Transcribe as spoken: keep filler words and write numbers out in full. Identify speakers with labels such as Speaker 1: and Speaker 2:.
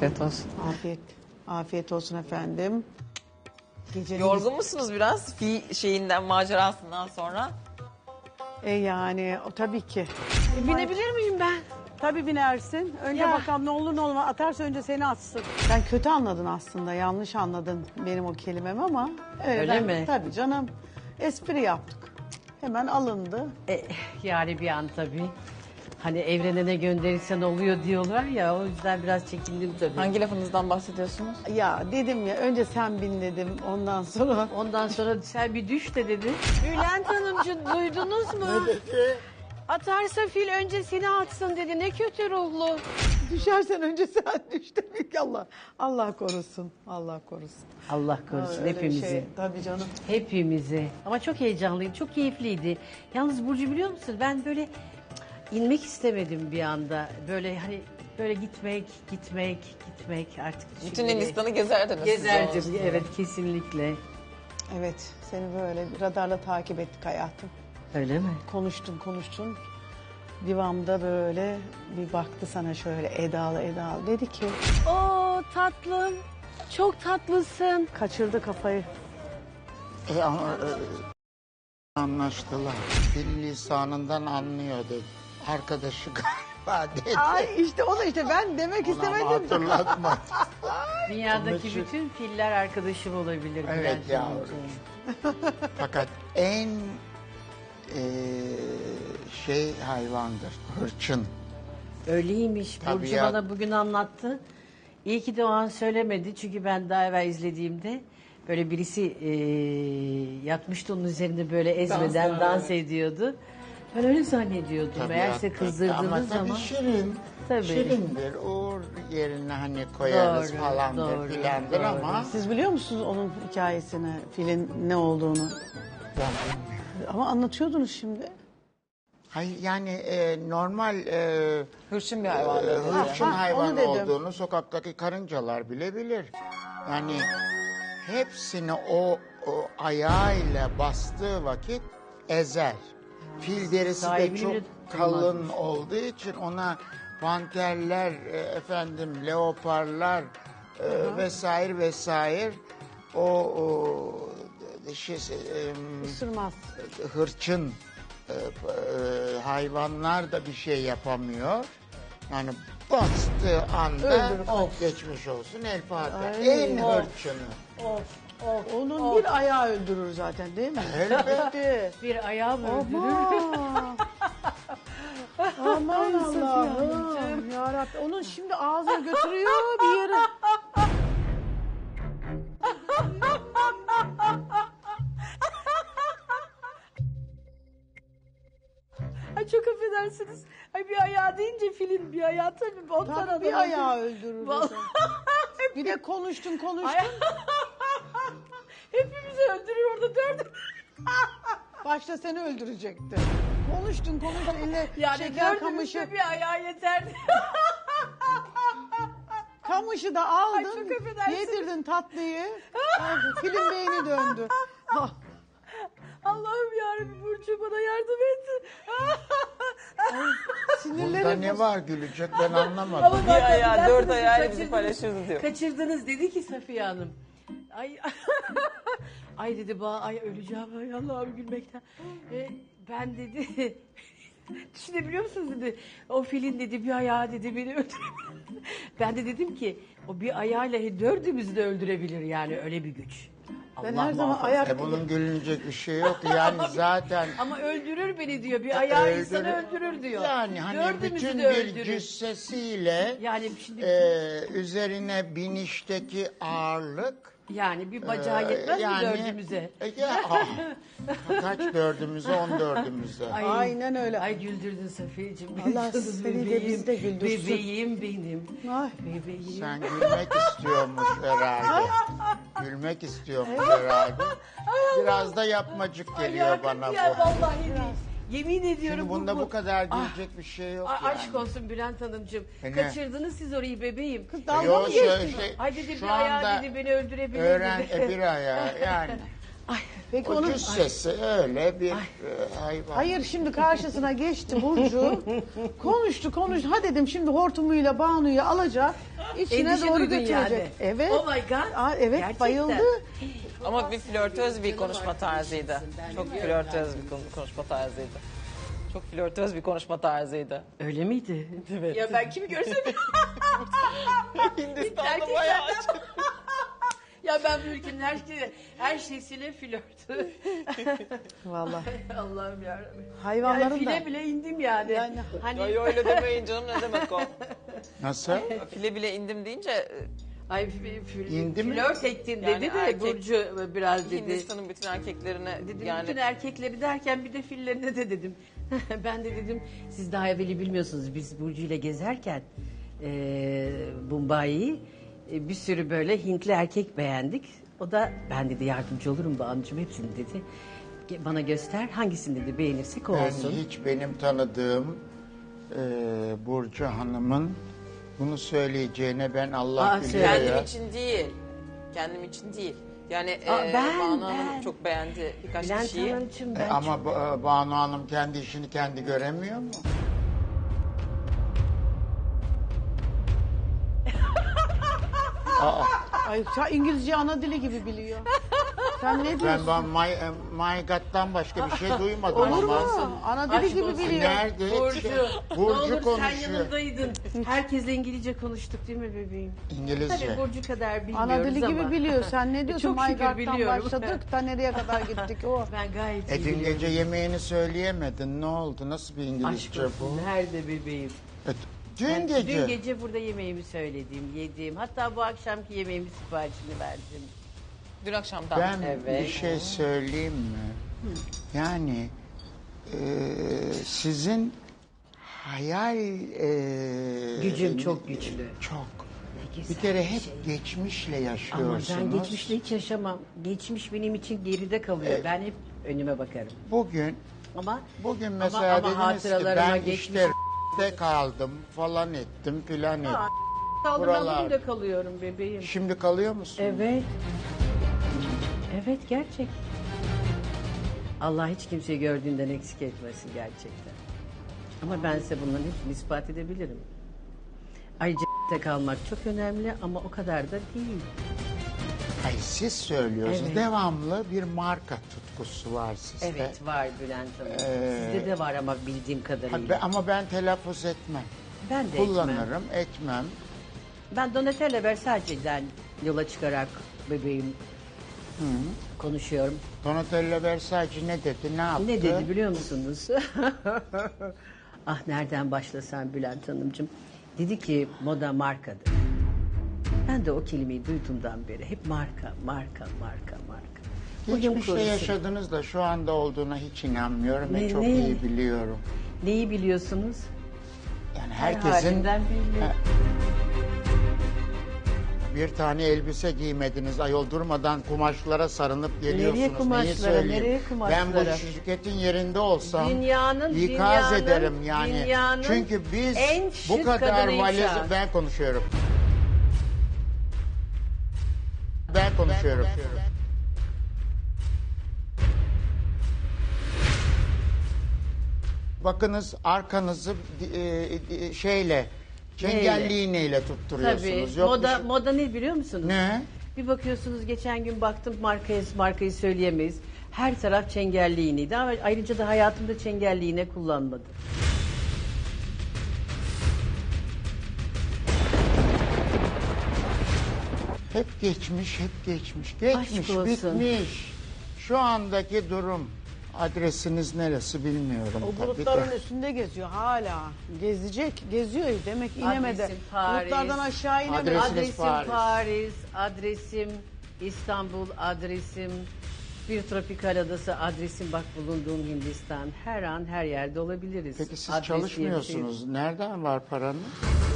Speaker 1: Afiyet olsun.
Speaker 2: Afiyet. Afiyet olsun efendim. Gecenin...
Speaker 1: Yorgun musunuz biraz fi şeyinden, macerasından sonra?
Speaker 2: E yani o tabii ki.
Speaker 3: E, binebilir miyim ben?
Speaker 2: Tabii binersin. Önce
Speaker 3: Ya.
Speaker 2: bakalım ne olur ne olmaz. Atarsa önce seni atsın. Sen kötü anladın aslında. Yanlış anladın benim o kelimemi ama. Evet,
Speaker 3: Öyle
Speaker 2: ben-
Speaker 3: mi?
Speaker 2: Tabii canım. Espri yaptık. Hemen alındı.
Speaker 3: E, yani bir an tabii. Hani evrene ne gönderirsen oluyor diyorlar ya, o yüzden biraz çekindim tabii.
Speaker 1: Hangi lafınızdan bahsediyorsunuz?
Speaker 2: Ya dedim ya önce sen bin dedim. Ondan sonra
Speaker 3: Ondan sonra sen bir düş de dedi. Bülent Hanımcığım duydunuz mu? Atarsa fil önce seni atsın dedi. Ne kötü ruhlu.
Speaker 2: düşersen önce sen düş demek ki Allah. Allah korusun. Allah korusun.
Speaker 3: Allah korusun
Speaker 2: Öyle bir
Speaker 3: hepimizi.
Speaker 2: şey, tabii canım.
Speaker 3: Hepimizi. Ama çok heyecanlıydı, çok keyifliydi. Yalnız Burcu biliyor musun? Ben böyle cık, inmek istemedim bir anda. Böyle hani böyle gitmek, gitmek, gitmek artık.
Speaker 1: Bütün
Speaker 3: şimdi-
Speaker 1: Hindistan'ı gezerdiniz. siz
Speaker 3: Gezerdim,
Speaker 1: olsun.
Speaker 3: evet kesinlikle.
Speaker 2: Evet seni böyle radarla takip ettik hayatım.
Speaker 3: Öyle mi?
Speaker 2: Konuştun konuştun. Divamda böyle bir baktı sana şöyle edalı edalı. Dedi ki
Speaker 3: Oo tatlım, çok tatlısın.
Speaker 2: kaçırdı kafayı.
Speaker 4: E, ama, e, anlaştılar. Dil lisanından anlıyor dedi. Arkadaşı galiba dedi.
Speaker 2: Ay işte o da işte ben demek
Speaker 4: Ona ama
Speaker 2: istemedim.
Speaker 4: hatırlatma.
Speaker 3: Dünyadaki
Speaker 4: Onun için-
Speaker 3: bütün filler arkadaşım olabilir.
Speaker 4: Evet
Speaker 3: Bülent
Speaker 4: yavrum.
Speaker 3: Hanımcığım.
Speaker 4: Fakat en e, şey hayvandır. Hırçın.
Speaker 3: Öyleymiş.
Speaker 4: Tabii
Speaker 3: Burcu
Speaker 4: ya.
Speaker 3: bana bugün anlattı. İyi ki de o an söylemedi. Çünkü ben daha evvel izlediğimde böyle birisi e, yatmıştı onun üzerinde böyle ezmeden dans, ediyordu. Ben öyle zannediyordum.
Speaker 4: Tabii
Speaker 3: Meğerse
Speaker 4: ya,
Speaker 3: kızdırdığınız
Speaker 4: ama tabii
Speaker 3: zaman.
Speaker 4: şirin.
Speaker 3: Tabii.
Speaker 4: Şirindir. Uğur yerine hani koyarız
Speaker 3: Doğru,
Speaker 4: falandır
Speaker 3: doğru,
Speaker 4: filandır
Speaker 3: doğru.
Speaker 4: ama
Speaker 2: Siz biliyor musunuz onun hikayesini, filin ne olduğunu?
Speaker 4: ben bilmiyorum.
Speaker 2: Ama anlatıyordunuz şimdi.
Speaker 4: Hayır yani e, normal e,
Speaker 1: Hırçın bir hayvan.
Speaker 4: e,
Speaker 1: dedi.
Speaker 4: hırçın
Speaker 2: Ha, onu
Speaker 4: hayvan
Speaker 2: dedim.
Speaker 4: olduğunu sokaktaki karıncalar bile bilir. Yani hepsini o, o ayağıyla bastığı vakit ezer. Fil derisi de
Speaker 3: Sahibini
Speaker 4: çok
Speaker 3: bile
Speaker 4: kalın
Speaker 3: tutmaz.
Speaker 4: olduğu için ona panterler, e, efendim leoparlar e, vesaire vesaire o, o şey, e,
Speaker 2: Isırmaz.
Speaker 4: hırçın e, e, hayvanlar da bir şey yapamıyor. Yani bastığı anda
Speaker 2: Öldürür.
Speaker 4: of geçmiş olsun El Fatiha.
Speaker 2: Ay.
Speaker 4: En
Speaker 2: Of.
Speaker 4: hırçını.
Speaker 2: Of, of. Onun bir ayağı öldürür zaten değil mi?
Speaker 4: Elbette.
Speaker 3: Bir ayağım öldürür.
Speaker 2: Aman. Aman Allah'ım. Yarabbim. Onun şimdi ağzına götürüyor bir yere.
Speaker 3: Ay çok affedersiniz. Ay bir ayağı deyince filin bir ayağı tabii. Ondan
Speaker 2: Tabii bir
Speaker 3: adam-
Speaker 2: ayağı öldürür.
Speaker 3: Vallahi.
Speaker 2: zaten. Bir de konuştun konuştun.
Speaker 3: Ay- Hepimizi öldürür orada dördüm.
Speaker 2: Başta seni öldürecekti. Konuştun konuştun. Eline
Speaker 3: Yani
Speaker 2: şeker
Speaker 3: dördümüzde
Speaker 2: kamışı.
Speaker 3: bir ayağı yeterdi.
Speaker 2: Kamışı da aldın.
Speaker 3: Ay, çok affedersiniz.
Speaker 2: Yedirdin tatlıyı. Ay, Film beyni döndü. Ah,
Speaker 3: Allah'ım yarabbim Burcu bana yardım et.
Speaker 2: sinirlerim.
Speaker 4: Bunda ne var gülecek ben anlamadım.
Speaker 3: Ama
Speaker 1: Bir
Speaker 3: bak,
Speaker 1: ayağı,
Speaker 3: affedersiniz,
Speaker 1: dört ayağıyla bizi
Speaker 3: kaçırdınız.
Speaker 1: paylaşırız diyor.
Speaker 3: Kaçırdınız dedi ki Safiye Hanım. Ay ay dedi ba ay öleceğim ay Allah'ım gülmekten. Ee, ben dedi düşünebiliyor musunuz dedi. O filin dedi bir ayağı dedi beni öldürebilir. Ben de dedim ki o bir ayağıyla dördümüzü de öldürebilir yani öyle bir güç.
Speaker 2: Ben
Speaker 3: Allah
Speaker 2: her zaman
Speaker 3: muhafaza.
Speaker 2: ayak
Speaker 4: E bunun gülünecek bir şey yok. Yani zaten
Speaker 3: Ama öldürür beni diyor. Bir ayağı
Speaker 4: öldürür-
Speaker 3: insanı öldürür diyor.
Speaker 4: Yani hani
Speaker 3: Dördümüzü
Speaker 4: bütün
Speaker 3: de
Speaker 4: bir
Speaker 3: öldürür.
Speaker 4: cüssesiyle
Speaker 3: Yani şimdi
Speaker 4: e, üzerine binişteki ağırlık
Speaker 3: yani bir bacağı yetmez mi dördümüze?
Speaker 4: E, ya, ah, kaç dördümüze on dördümüze.
Speaker 3: Ay,
Speaker 2: Aynen öyle.
Speaker 3: Ay güldürdün Safiyeciğim.
Speaker 2: Allah
Speaker 3: Canım
Speaker 2: seni de bizi de güldürsün.
Speaker 3: Bebeğim benim.
Speaker 2: Ay.
Speaker 3: Bebeğim.
Speaker 4: Sen gülmek istiyormuş herhalde. Gülmek istiyormuş herhalde. Biraz da yapmacık
Speaker 3: Ay,
Speaker 4: geliyor
Speaker 3: ya,
Speaker 4: bana
Speaker 3: ya,
Speaker 4: bu.
Speaker 3: vallahi değil. Yemin ediyorum
Speaker 4: Şimdi bunda
Speaker 3: bu.
Speaker 4: bu kadar gülecek bir şey yok
Speaker 3: Ay,
Speaker 4: yani.
Speaker 3: aşk olsun Bülent Hanımcığım.
Speaker 4: E ne?
Speaker 3: Kaçırdınız siz orayı bebeğim.
Speaker 2: Dalga
Speaker 4: Yo,
Speaker 2: mı
Speaker 4: şu-
Speaker 2: geçtin?
Speaker 4: şey,
Speaker 3: Ay dedi
Speaker 4: şu
Speaker 3: bir ayağı
Speaker 4: anda
Speaker 3: dedi beni öldürebilir
Speaker 4: öğren
Speaker 3: dedi.
Speaker 4: e, bir ayağı yani.
Speaker 3: Ay,
Speaker 2: Peki
Speaker 4: O
Speaker 2: onun...
Speaker 4: cüssesi öyle bir e, hayvan.
Speaker 2: Hayır şimdi karşısına geçti Burcu. konuştu konuştu. Ha dedim şimdi hortumuyla Banu'yu alacak. içine
Speaker 3: endişe
Speaker 2: doğru
Speaker 3: duydun
Speaker 2: götürecek.
Speaker 3: yani.
Speaker 2: Evet.
Speaker 3: Oh my God.
Speaker 2: Aa, evet
Speaker 3: Gerçekten.
Speaker 2: bayıldı.
Speaker 1: Ama bir flörtöz bir konuşma tarzıydı. Çok flörtöz bir kon- konuşma tarzıydı. Çok flörtöz bir konuşma tarzıydı.
Speaker 3: Öyle miydi?
Speaker 1: Evet.
Speaker 3: Ya ben kimi görsem...
Speaker 1: Hindistan'da
Speaker 3: Erkeklerden-
Speaker 1: bayağı açık.
Speaker 3: Ya ben bu ülkenin her, şey, her şeysiyle flört.
Speaker 2: Vallahi.
Speaker 3: Allah'ım yarabbim.
Speaker 2: Hayvanların
Speaker 3: Yani file
Speaker 2: da.
Speaker 3: bile indim yani.
Speaker 2: Yani-
Speaker 3: hani
Speaker 1: Ay öyle demeyin canım, ne demek o?
Speaker 4: Nasıl?
Speaker 1: File bile indim deyince e,
Speaker 3: ay f- f-
Speaker 4: İndi mi?
Speaker 3: flört ettin
Speaker 1: Yani
Speaker 3: dedi de
Speaker 1: erkek-
Speaker 3: Burcu biraz dedi.
Speaker 1: Hindistan'ın bütün erkeklerine
Speaker 3: Dedim
Speaker 1: yani
Speaker 3: bütün erkekleri derken bir de fillerine de dedim. Ben de dedim siz daha evveli bilmiyorsunuz biz Burcu ile gezerken e, Mumbai'yi e, bir sürü böyle Hintli erkek beğendik. O da ben dedi yardımcı olurum Banu'cum hepsini dedi. Ge- Bana göster hangisini dedi beğenirsek o
Speaker 4: Ben
Speaker 3: olsun.
Speaker 4: hiç benim tanıdığım e, Burcu Hanım'ın bunu söyleyeceğine ben Allah
Speaker 3: Aa,
Speaker 4: biliyor
Speaker 1: kendim
Speaker 4: ya.
Speaker 1: için değil. Kendim için değil. Yani
Speaker 3: Aa,
Speaker 1: e,
Speaker 3: ben,
Speaker 1: Banu Hanım
Speaker 3: ben.
Speaker 1: çok beğendi birkaç
Speaker 3: Bülent
Speaker 1: kişiyi.
Speaker 3: Hanımcığım
Speaker 4: E,
Speaker 3: ben
Speaker 4: ama
Speaker 3: çok-
Speaker 4: Ba- Banu Hanım kendi işini kendi göremiyor mu? Aa,
Speaker 2: Ay sen İngilizce ana dili gibi biliyor. Sen ne
Speaker 4: ben
Speaker 2: diyorsun?
Speaker 4: ben my, e, my God'dan başka bir şey duymadım
Speaker 2: Olur mu?
Speaker 4: ama.
Speaker 2: Ana dili
Speaker 3: Aşk
Speaker 2: gibi
Speaker 3: olsun.
Speaker 2: biliyor.
Speaker 4: Nerede?
Speaker 3: Burcu, ne
Speaker 4: Burcu
Speaker 3: olur sen
Speaker 4: konuşuyor.
Speaker 3: yanındaydın. Herkesle İngilizce konuştuk değil mi bebeğim?
Speaker 4: İngilizce.
Speaker 3: Tabii Burcu kadar bilmiyoruz
Speaker 2: Ana dili
Speaker 3: ama.
Speaker 2: gibi biliyor. Sen ne diyorsun?
Speaker 3: Çok şükür
Speaker 2: Maygar'dan
Speaker 3: biliyorum.
Speaker 2: başladık da nereye kadar gittik o.
Speaker 3: Ben gayet
Speaker 4: E
Speaker 3: iyi
Speaker 4: dün
Speaker 3: biliyorum.
Speaker 4: gece yemeğini söyleyemedin. Ne oldu? Nasıl bir
Speaker 3: Aşk
Speaker 4: İngilizce bu?
Speaker 3: olsun nerede bebeğim?
Speaker 4: E, dün
Speaker 3: Ben
Speaker 4: gece.
Speaker 3: Dün gece burada yemeğimi söyledim, yedim. Hatta bu akşamki yemeğimin siparişini verdim.
Speaker 1: Dün akşamdan.
Speaker 4: Ben
Speaker 1: evet.
Speaker 4: bir şey söyleyeyim mi? Yani e, sizin hayal e,
Speaker 3: Gücüm çok güçlü.
Speaker 4: Çok.
Speaker 3: Ne güzel
Speaker 4: Bir kere
Speaker 3: bir
Speaker 4: hep
Speaker 3: şey.
Speaker 4: geçmişle
Speaker 3: Ama
Speaker 4: yaşıyorsunuz.
Speaker 3: ben geçmişle hiç yaşamam. Geçmiş benim için geride kalıyor. Ben hep önüme bakarım.
Speaker 4: Bugün
Speaker 3: Ama
Speaker 4: bugün
Speaker 3: ama-
Speaker 4: mesela
Speaker 3: ama
Speaker 4: dediniz ki
Speaker 3: hatıralarıma
Speaker 4: ben
Speaker 3: geçmiş-
Speaker 4: işte de kaldım falan ettim filan ettim.
Speaker 3: Aa, kaldım ben
Speaker 4: Buralar.
Speaker 3: bugün de kalıyorum bebeğim.
Speaker 4: Şimdi kalıyor musun?
Speaker 3: Evet. Evet gerçek. Allah hiç kimseyi gördüğünden eksik etmesin gerçekten. Ama ben size bunların hepsini ispat edebilirim. Ayrıca de kalmak çok önemli ama o kadar da değil.
Speaker 4: Hayır siz söylüyorsunuz.
Speaker 3: Evet.
Speaker 4: Devamlı bir marka tutkusu var sizde.
Speaker 3: Evet var Bülent Hanım.
Speaker 4: Ee,
Speaker 3: Sizde de var ama bildiğim
Speaker 4: Ha,
Speaker 3: kadarıyla.
Speaker 4: be- ama ben telaffuz etmem.
Speaker 3: ben de etmem.
Speaker 4: Kullanırım, etmem.
Speaker 3: Ben Donatella Versace'den yola çıkarak bebeğim konuşuyorum.
Speaker 4: Donatella Versace ne dedi, ne yaptı?
Speaker 3: Ne dedi biliyor musunuz? Ah nereden başlasam Bülent Hanımcığım. Dedi ki moda markadır. Ben de o kelimeyi duyduğumdan beri hep marka, marka, marka, marka. Bugün
Speaker 4: Geçmişte
Speaker 3: korusun.
Speaker 4: yaşadınız da şu anda olduğuna hiç inanmıyorum ve
Speaker 3: Ne-
Speaker 4: çok
Speaker 3: ne?
Speaker 4: iyi biliyorum.
Speaker 3: Neyi biliyorsunuz?
Speaker 4: Yani
Speaker 3: Her
Speaker 4: herkesin
Speaker 3: halinden belli.
Speaker 4: Ha, bir tane elbise giymediniz ayol durmadan kumaşlara sarınıp geliyorsunuz.
Speaker 3: Nereye
Speaker 4: Neyi
Speaker 3: kumaşlara,
Speaker 4: söyleyeyim?
Speaker 3: nereye kumaşlara?
Speaker 4: Ben bu şirketin yerinde olsam
Speaker 3: Dünyanın-
Speaker 4: ikaz
Speaker 3: dünyanın-
Speaker 4: ederim yani.
Speaker 3: dünyanın
Speaker 4: Çünkü biz
Speaker 3: en
Speaker 4: bu
Speaker 3: şık
Speaker 4: kadar
Speaker 3: kadınıyım
Speaker 4: valiz
Speaker 3: şu an.
Speaker 4: ben konuşuyorum. Ben konuşuyorum. Bakınız arkanızı e, e, şeyle çengelli iğneyle tutturuyorsunuz.
Speaker 3: Tabii.
Speaker 4: Yok
Speaker 3: Moda
Speaker 4: bir şey-
Speaker 3: moda ne biliyor musunuz?
Speaker 4: Ne?
Speaker 3: Bir bakıyorsunuz geçen gün baktım markayı markayı söyleyemeyiz. Her taraf çengelli iğneydi ama ayrıca da hayatımda çengelli iğne kullanmadım.
Speaker 4: Hep geçmiş, hep geçmiş. Geçmiş,
Speaker 3: olsun.
Speaker 4: bitmiş. Şu andaki durum. Adresiniz neresi bilmiyorum
Speaker 2: O
Speaker 4: tabii
Speaker 2: bulutların
Speaker 4: de.
Speaker 2: üstünde geziyor hala. Gezecek, geziyor demek inemedi.
Speaker 3: Adresim Paris.
Speaker 2: Bulutlardan aşağı inemedi.
Speaker 4: Adresiniz
Speaker 3: Adresim
Speaker 4: Paris.
Speaker 3: Paris. adresim İstanbul, adresim bir tropikal adası, adresim bak bulunduğum Hindistan. Her an her yerde olabiliriz.
Speaker 4: Peki siz
Speaker 3: Adres diye bir şey yok.
Speaker 4: çalışmıyorsunuz. Nereden var paranız?